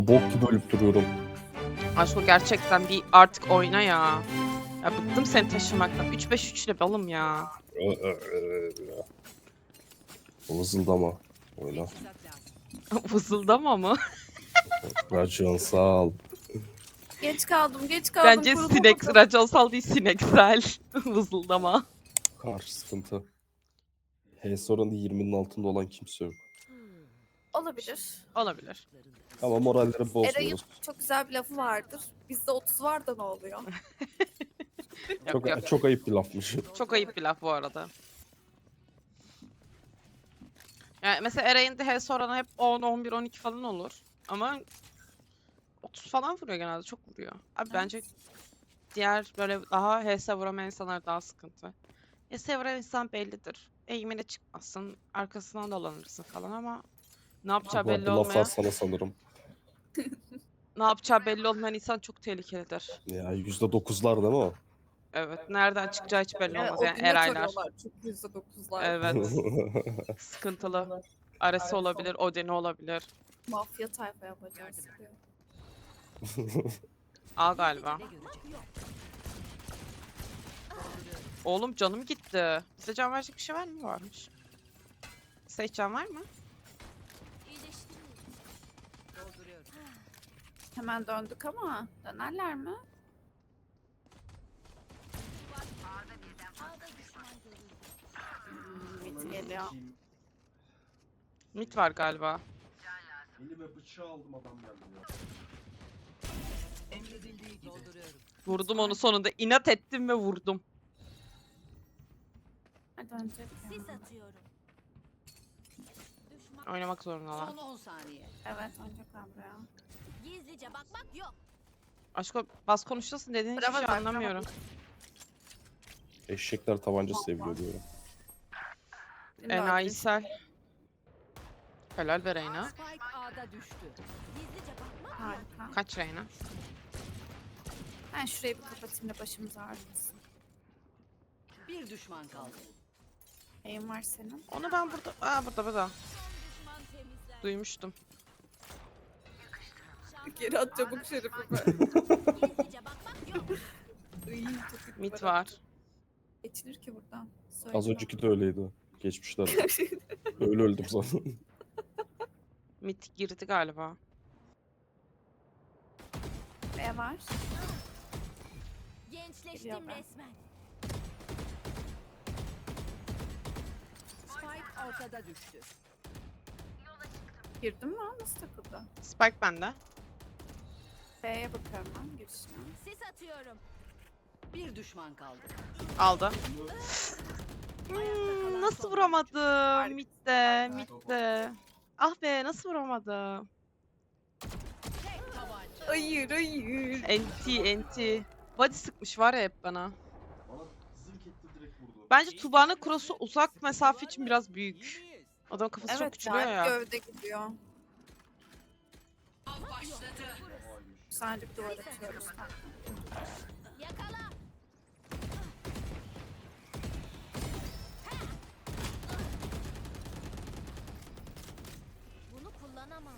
Bok gibi ölüp duruyorum. Aşko gerçekten bir artık oyna ya. Ya bıktım seni taşımaktan. 3-5-3 ile balım ya. Vızıldama. Oyna. Vızıldama mı? Racon sağ ol. Geç kaldım, geç kaldım. Bence kurulamadım. raconsal değil sineksel. Vızıldama. Karşı sıkıntı. HS oranı 20'nin altında olan kimse yok. Olabilir. Olabilir. Ama moralleri Eray'ın bozmuyoruz. çok güzel bir lafı vardır. Bizde 30 var da ne oluyor? Yok yok. Çok ayıp bir lafmış. Çok ayıp bir laf bu arada. Yani mesela Eray'ın de HS oranı hep 10, 11, 12 falan olur. Ama 30 falan vuruyor genelde. Çok vuruyor. Abi bence diğer böyle daha HS vuramayan insanlar daha sıkıntı. HS vuran insan bellidir. Eğimine çıkmazsın. Arkasından dolanırsın falan ama ne yapacağı Bu belli arada laf olmayan, sana sanırım. ne yapacağı belli olmayan insan çok tehlikelidir. Ya %9'lar değil mi o? Evet. Nereden çıkacağı hiç belli olmaz. O Yani güne Eraylar. tarıyorlar çünkü %9'lar. Evet. Sıkıntılı. Arası olabilir, Odin'i olabilir. Mafya tayfa yapacağız. A galiba. Oğlum canım gitti. Bize can verecek bir şey var mı? Varmış. Size hiç can var mı? Hemen döndük ama dönerler mi? Mid geliyor. Mid var galiba. Elime bıçağı aldım adam geldi ya. Vurdum onu sonunda. İnat ettim ve vurdum. Hadi dönecek Sis ya. atıyorum. Düşman Oynamak zorundalar. son 10 saniye. Evet dönecekler buraya. Gizlice bakmak yok. Aşko bas konuşuyorsun dediğin hiçbir Bravo, şey bravo. anlamıyorum. Eşekler tabanca seviyor diyorum. Beni de Enayisel. Helal be Reyna. Spike A'da düştü. Gizlice bakmak yok. Harika. Kaç Reyna? Ben şurayı bir kapatayım da başımız ağrımasın. Bir düşman kaldı. Neyin var senin? Onu ben burada... Aa burada. Düşman temizler. Duymuştum. Geri at çabuk şerifime. Gizlice bakmak yok. Mid var. Geçilir ki buradan. Söyle Az bana. önceki de öyleydi. Geçmişler. Öyle öldüm zaten. Mid girdi galiba. B var. Gençleştim Geliyor ben. resmen. Spike ortada düştü. Girdin mi? Nasıl takıldı? Spike bende. B'ye bakıyorum ben girişine. Sis atıyorum. Bir düşman kaldı. Aldı. Nasıl vuramadım? Mid'de. Ah be nasıl vuramadım? Tek tabanca. Hayır hayır. Enti. Body sıkmış var ya hep bana. Bana zırk etti direkt vurdu. Bence Tuba'nın cross'u uzak mesafe için biraz büyük. Adam kafası çok Evet küçülüyor ya. ya. Gövde gidiyor. Vay be. Sadece bir duvar atıyoruz. Yakala. Bunu kullanamam.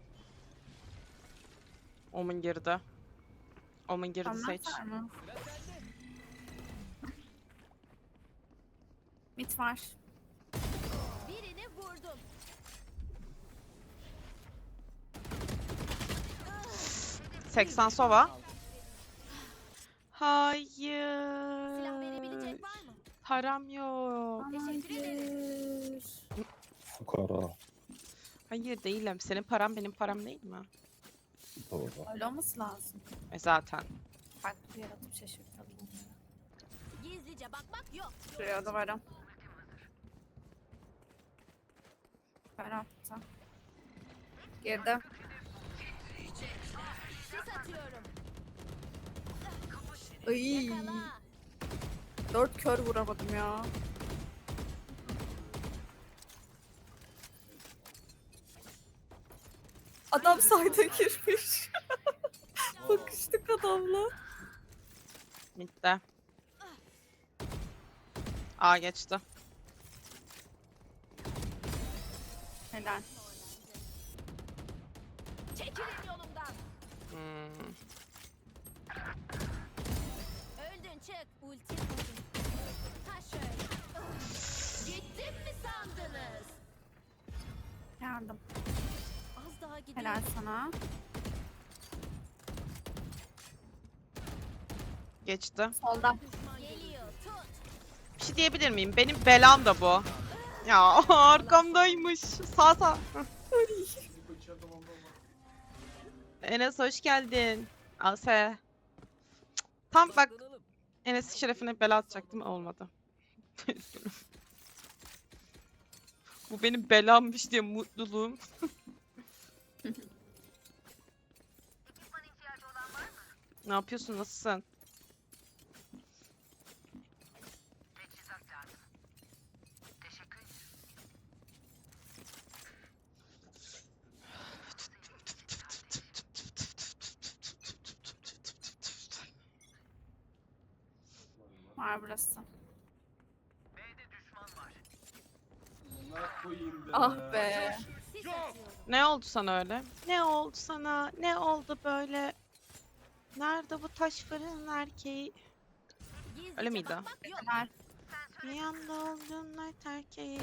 Omen geride. Omen geride seç. Anlatlar mı? Mit var. Birini vurdum. 80 sova. Silah verebilecek Hayır. var mı? Param yok. Teşekkür ederim. Hayır. Fukara. Hayır değilim. Senin param benim param değil mi? Doğru. Öyle olması lazım. Zaten. Farklı bir yaratıp şaşırtalım. Gizlice bakmak yok. Şuraya da varım. Ben attım. Girdim. Sis atıyorum. Ay. Yakala. 4 kör vuramadım ya. Adam sayda girmiş. Bakıştık adamla. Mid'de. A geçti. Helal. Çekilin yolumdan. Helal sana. Geçti. Solda. Geliyor. Tut. Bir şey diyebilir miyim? Benim belam da bu. Ya arkamdaymış. Sağ sağ. Bu içeride bomba var. Enes hoş geldin. Ase. Tam bak Enes'in şerefine bela atacaktım olmadı. Üzgünüm. Bu benim belammış diye mutluluğum. Ne yapıyorsun? Nasılsın? Var burası. Amına koyayım be. Ah be. Sis atıyorum. Ne oldu sana öyle? Ne oldu sana? Ne oldu böyle? Nerede bu taş fırın erkeği? Gizlice Öyle miydi? bakmak yok. Helal. Bir yanda olduğun night erkeği.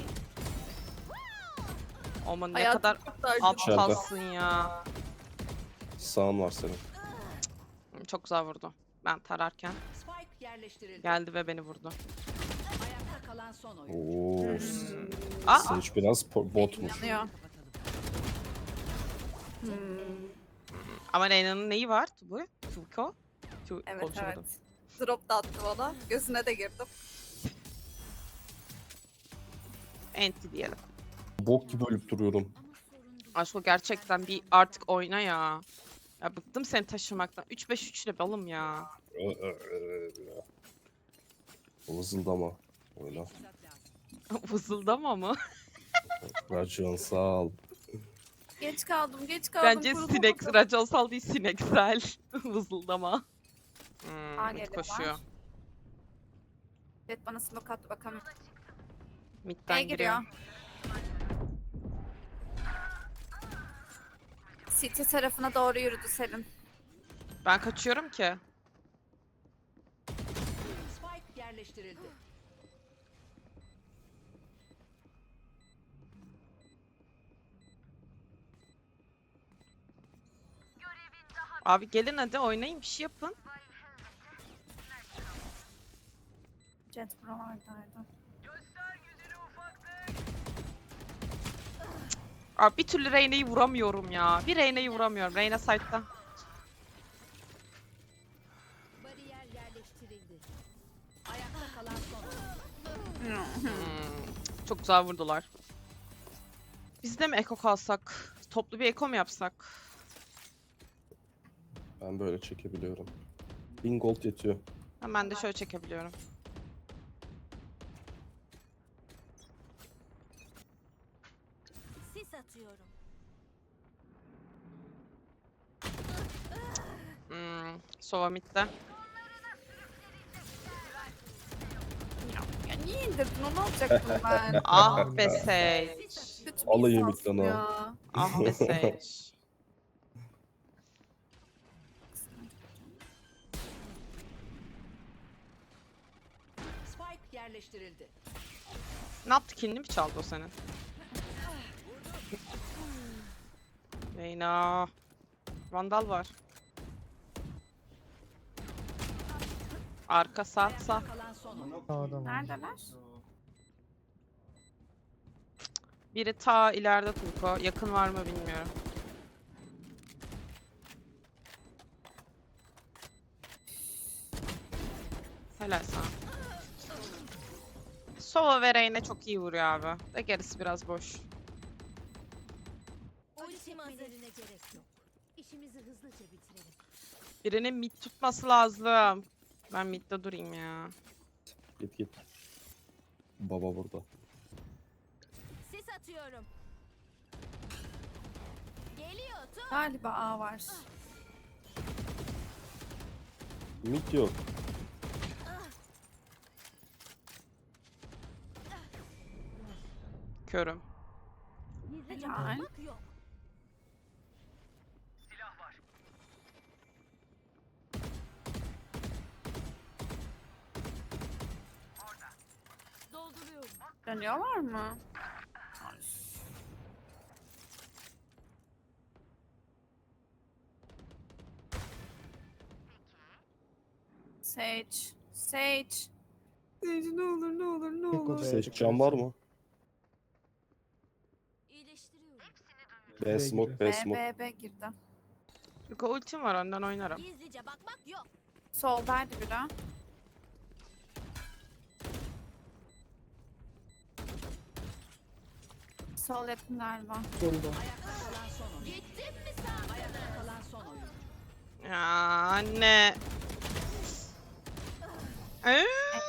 Aman ne Hayatım kadar çok da acı. aptalsın ya. Sağın var senin. Çok güzel vurdu. Ben tararken Spike yerleştirildi. geldi ve beni vurdu. Ayakta kalan son oyun. Oo. Aa, Sage biraz botmuş. Yanıyor. Hmm. ama Reyna'nın neyi var? Bu? Tuko? Evet Konuşamadım. evet. Drop da attı bana. Gözüne de girdim. Enti diyelim. Bok gibi ölüp duruyorum. Ama sorun değil. Aşko gerçekten bir artık oyna ya. Ya bıktım seni taşımaktan. 3-5-3 ile balım ya. Vızıldama. Oyna. Vızıldama mı? Racan sağ ol. Geç kaldım, geç kaldım. Bence kurulamadım. raconsal değil sineksel. Vızıldama. Aa, Mid geliyorlar. koşuyor. Evet bana smoke attı bakalım. Mid'den B'ye giriyor. giriyor. City tarafına doğru yürüdü Selin. Ben kaçıyorum ki. Spike yerleştirildi. Abi gelin hadi oynayın bir şey yapın. Jet buralardaydı. Abi bir türlü Reyna'yı vuramıyorum ya. Bir Reyna'yı vuramıyorum. Reyna side'da. Bariyer yerleştirildi. Ayakta kalan son oyun. Çok güzel vurdular. Biz de mi eko kalsak? Toplu bir eko mu yapsak? Ben böyle çekebiliyorum. 1000 gold yetiyor. Ben de şöyle çekebiliyorum. Sis atıyorum. Sova mid'de. Ya niye indirdin onu alacaktım ben. Ah be Sage. Kötü bir Alayım insansın midden ya. Ah be Sage. Spike yerleştirildi. Ne yaptı? Killini mi çaldı o senin? Reyna. Vandal var. Arka sağ sağ. Ayakta kalan son oyun. Amına koyayım. Neredeler? Biri ta ileride Turko. Yakın var mı bilmiyorum. Helal sana. Sova ve Reyna çok iyi vuruyor abi. De gerisi biraz boş. Ultim hazırına gerek yok. İşimizi hızlıca bitirelim. Birinin mid tutması lazım. Ben midde durayım ya. Git git. Baba burada. Sis atıyorum. Geliyor. Tut. Galiba A var. Mid yok. Körüm. Gizlice Helal. bakmak yok. Dolduruyorum. Dönüyorlar mı? Sage. Sage. Sage ne olur ne olur ne Tek olur. odaya Seç çıkıyor. can var mı? İyileştiriyorum. B smoke, B B, smoke. B girdi. Yuko ultim var önden oynarım. Gizlice bakmak yok. Soldaydı biri. Sol yakın galiba. Solda. Ayakta kalan son oyun. Gittim mi sandın? Ayakta kalan son oyun. Ya anne. Ee?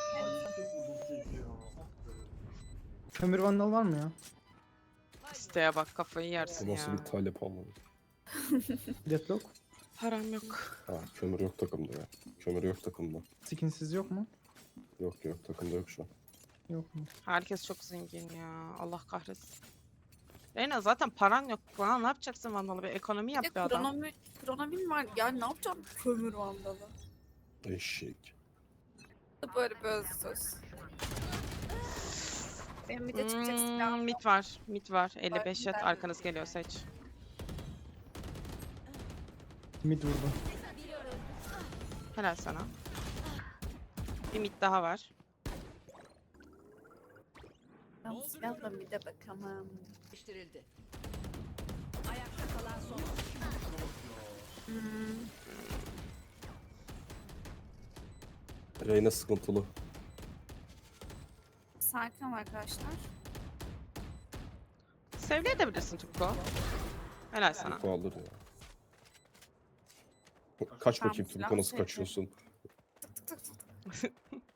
Kömür vandal var mı ya? İsteğe bak kafayı yersin Bu nasıl ya. bir talep ama. Deathlock. Param yok. Ha, kömür yok takımda ya. Kömür yok takımda. Skinsiz yok mu? Yok yok takımda yok şu an. Yok mu? Herkes çok zengin ya. Allah kahretsin. Reyna zaten paran yok. Bana ne yapacaksın Vandalı? Bir ekonomi yap Bir be de adam. kronomin var. Ya ne yapacağım kömür vandalı. Eşek. Böyle bir söz. Benim bir de çıkacak silahım yok. Mid var. Mid var. 55 jet Ben- arkanız geliyor seç. Mid vurdu. Helal sana. Bir mid daha var. Ben bu silahla bir de bakamam. Yerleştirildi. Ayakta kalan son oyun. Reyna sıkıntılı. Sakin ol arkadaşlar. Sevleyebilirsin Tukko. Helal sana. Tuku alır ya. Kaç Ben bakayım bu silahı Tuku nasıl sevdim. kaçıyorsun? Tık tık tık.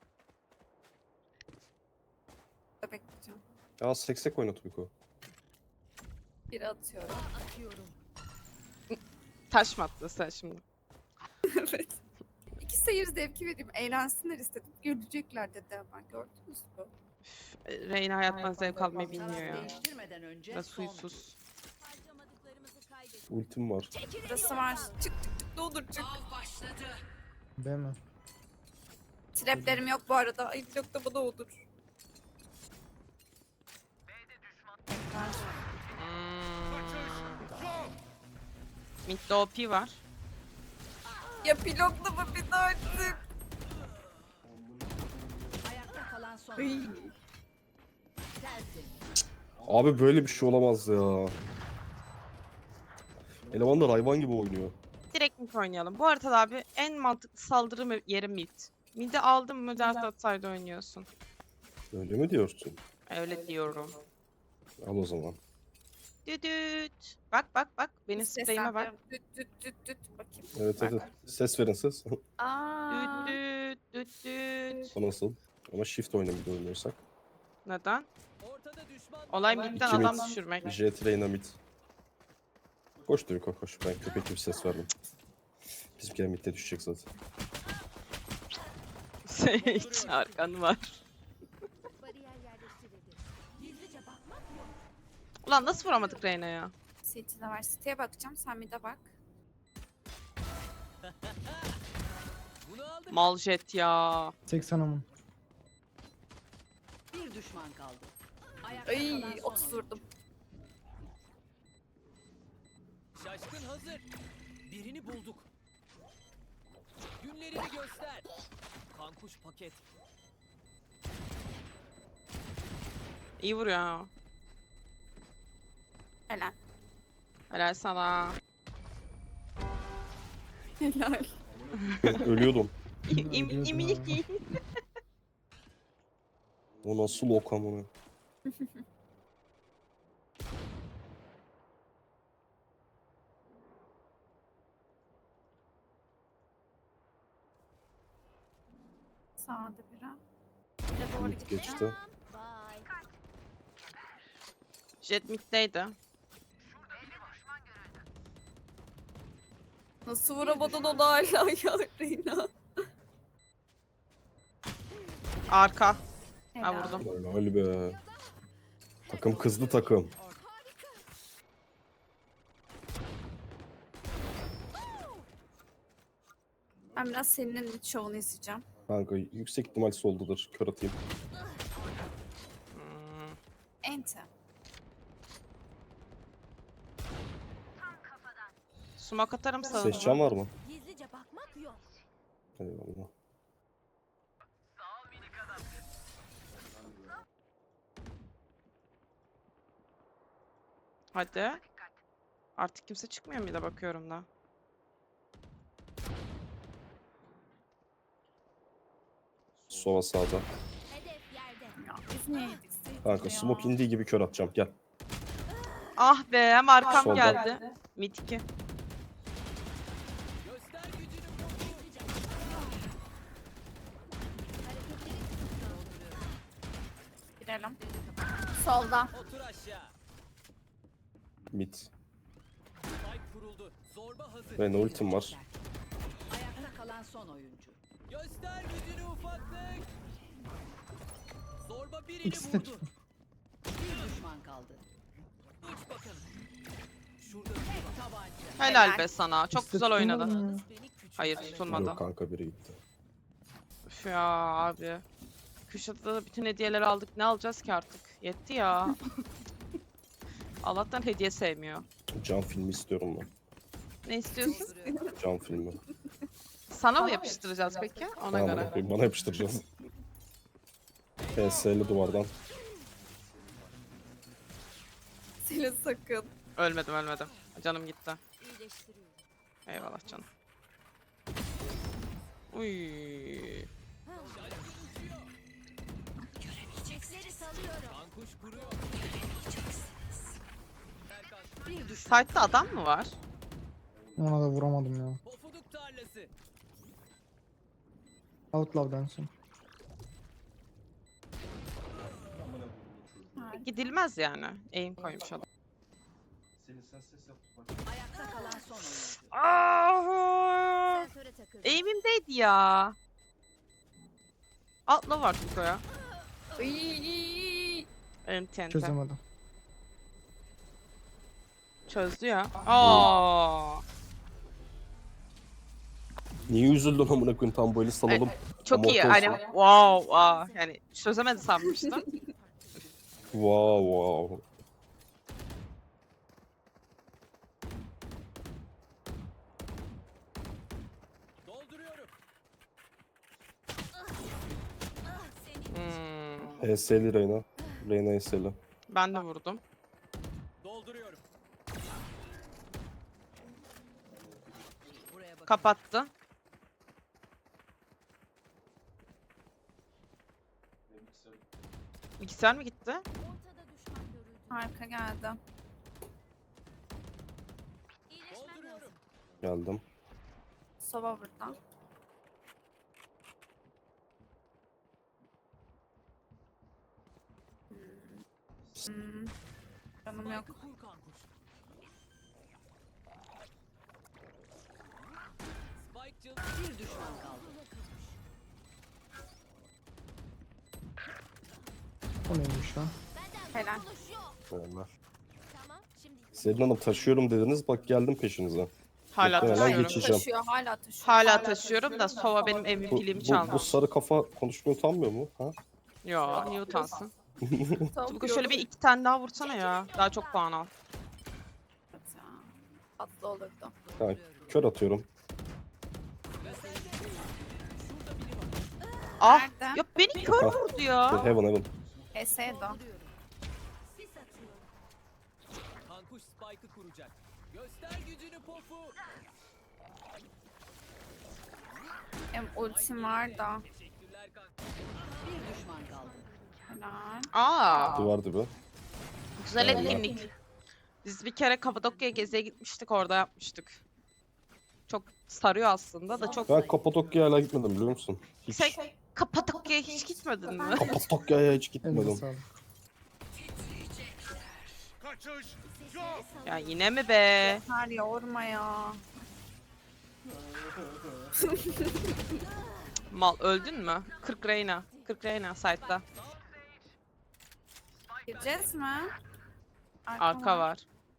Da bekleyeceğim. Ya seksek oyna Tuku. Biri atıyorum. Atıyorum. Taş mı attın sen şimdi? Evet. İki seyir zevki vereyim. Eğlensinler istedim. Gülecekler dedi hemen. Gördünüz mü? Reyna hayattan zevk almayı bilmiyor Taraf ya. değiştirmeden önce Ve son. suysuz. Harcamadıklarımızı kaybettik. Ultim var. Burası var. Çık çık çık. Ne olur çık. B mi? Traplerim yok bu arada. Ay yok da bana olur. Mid'de OP var. Ya pilotla mı bir de artık? Ayakta kalan son Ay. oyun. Tertemiz. Abi böyle bir şey olamaz ya. Elemanlar hayvan gibi oynuyor. Direkt mid oynayalım. Bu haritada abi en mantıklı saldırı yeri mid. Mid'i aldın mı ders atsaydı oynuyorsun. Öyle mi diyorsun? Öyle diyorum. Al o zaman. Düdüt. Bak bak bak. Benim spreyime bak. Seslendiriyorum. Düt düt düt düt. Bakayım. Evet evet. Ses verin ses. Aa. Düt düt düt düt. O nasıl? Ama shift oynamayı oynuyorsak. Neden? Olay midden İki adam mid. düşürmek. Jet Reyna mid. Koş Tuku koş. Ben köpek gibi ses verdim. Bizimkiler midde düşecek zaten. Hiç arkan var. Bariyer yerleştirildi. Gizlice bakmak yok. Ulan nasıl vuramadık Reyna'ya? City'de var. City'ye bakacağım. Sen bir de bak. Mal jet ya. 80 amun. Bir düşman kaldı. Ayakta Ay kalan son 30 oyun. vurdum. Şaşkın hazır. Birini bulduk. Günlerini göster. Kankuş paket. İyi vuruyor ha. Helal. Helal sana. Helal. Ölüyordum. Ölüyordun ha. O nasıl ok amına? Sağda biri. Bir de doğru Mid gitti. geçti. Bye. Jet mid'deydi. Nasıl vuramadın onu hala ya Reyna? Arka. Ha Helal. vurdum. Helal be. Takım kızdı takım. Ben biraz senin şovunu izleyeceğim. Kanka yüksek ihtimal soldadır. Kör atayım. Hmm. Ente. Smoke atarım Ses sağına. can var mı? Gizlice bakmak yok. Eyvallah. Hadi. Artık kimse çıkmıyor mu, bir de bakıyorum da. Sova sağda. Hedef yerde. Ya biz niye yedik Sage Kanka ya? smoke indiği gibi kör atacağım. Gel. Ah be, hem arkam Solda. geldi. Mid 2. Göster gücünü pofu. Girelim. Solda. Otur aşağı. Mid. Spike kuruldu. Zorba hazır. Ve ultim var. Ayakta kalan son oyuncu. Göster gücünü ufaklık. Zorba birini İkisi de vurdu. çıktı. Bir düşman kaldı. Uç bakalım. Şurada biri var. Tabanca. Helal be sana. Çok İkisi de güzel tutulmadı oynadın. mı ya? Beni küçük Hayır, zannediyor. tutulmadı. Yok kanka biri gitti. Üf ya abi. Kuşatı'da da bütün hediyeleri aldık. Ne alacağız ki artık? Yetti ya. Allah'tan hediye sevmiyor. Can filmi istiyorum ben. Ne istiyorsun? Can filmi. Sana mı yapıştıracağız peki? Ona Tamam, göre. bakayım, bana yapıştıracağız. PS'li duvardan. Sile sakın. Ölmedim. Canım gitti. İyileştiriyorum. Eyvallah canım. Uy. Göremeyecekleri salıyorum. Kankuş kuruyor. Bir düşman. Site'da adam mı var? Ona da vuramadım ya. Pofuduk tarlası. Outlaw'dan son. Gidilmez yani. Aim koymuş adam. Senin sen ses yap. Bak. Ayakta kalan son oyuncu. Ah! Sensöre takıldı. Aim'imdeydi ya. Atla var Tuko'ya. Iiii. TNT. Çözemedim. Çözdü ya. Aa! Niye üzüldün amına koyayım, tam böyle salalım. Çok iyi. Amorti Hani olsun. wow, yani çözemedi sanmıştım. Wow. Dolduruyorum. HS'li Reyna. Reyna HS'li. Ben de vurdum. Dolduruyorum. Buraya bak. Kapattı. Bilgisayar mı gitti? Ortada düşman görüldü. Arka geldi. İyileşmem lazım. Dolduruyorum. Geldim. Sova burada. Hmm. Canım yok. Spike'ı kur kankuş. Spike cıl. Bir düşman kaldı. O neymiş lan? Benden Helal. kurtuluş yok. Selamlar. Tamam. Şimdi Selin Hanım taşıyorum dediniz, bak geldim peşinize. Hala Muhtemelen taşıyorum. geçeceğim. Taşıyor, hala taşıyor. Hala taşıyorum da Sova benim Bu, MVP'liğimi bu çaldı. sarı kafa konuşmaya utanmıyor mu? Ha? Yo, niye utansın? Tam Tuko şöyle bir 2 tane daha vursana ya. Daha çok puan al. ya. Tatlı olurdu. Ha, kör atıyorum. Ah! Nerede? Ya beni kör Ah. vurdu ya. Heaven. Esedo. sis atıyorum. Kankuş Spike'ı kuracak. Göster gücünü pofu. Hem ultim var da. Teşekkürler kankuş. Bir düşman kaldı. Helal. Aa! Duvar dibi. Güzel Vallahi. etkinlik. Biz bir kere Kapadokya'ya geziye gitmiştik, orada yapmıştık. Çok sarıyor aslında da çok... Ben Kapadokya'ya hala gitmedim biliyor musun? Hiç. Sen Kapadokya'ya hiç gitmedin mi? Kapadokya'ya hiç Elinize gitmedim. sağlık. Ya yine mi be? Her yorma ya. Mal öldün mü? 40 Reyna. 40 Reyna site'da. Gireceğiz mi? Arka var.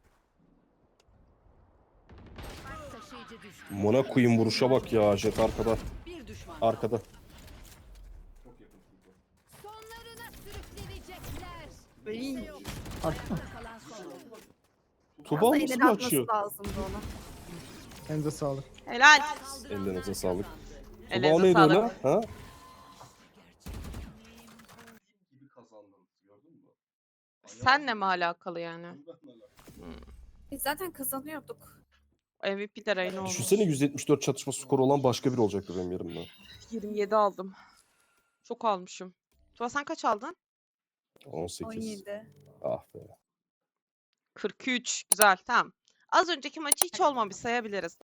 Taşıyıcı düştü. Mona koyayım vuruşa bak ya, jet arkada. Bir düşman Arkada. Çok yakın Tuğba. Sonlarına sürüklenecekler. Iy. Arka mı? kalan son oyuncu. Tuba Aslında nasıl ileri açıyor? atması lazımdı onu. Elinize sağlık. Helal. Ellerinize sağlık. Tuba o Ellerinize neydi öyle? sağlık. Ha? Gibi kazandın. Gördün mü? Senle mi alakalı yani? Benle alakalı. Biz zaten kazanıyorduk. MVP de Reyna oldu. Düşünsene 174 çatışma skoru olan başka biri olacaktı benim yerimde. 27 aldım. Çok almışım. Tuba sen kaç aldın? 18. 17. Ah be. 43. Güzel. Tamam. Az önceki maçı hiç olmamış sayabiliriz.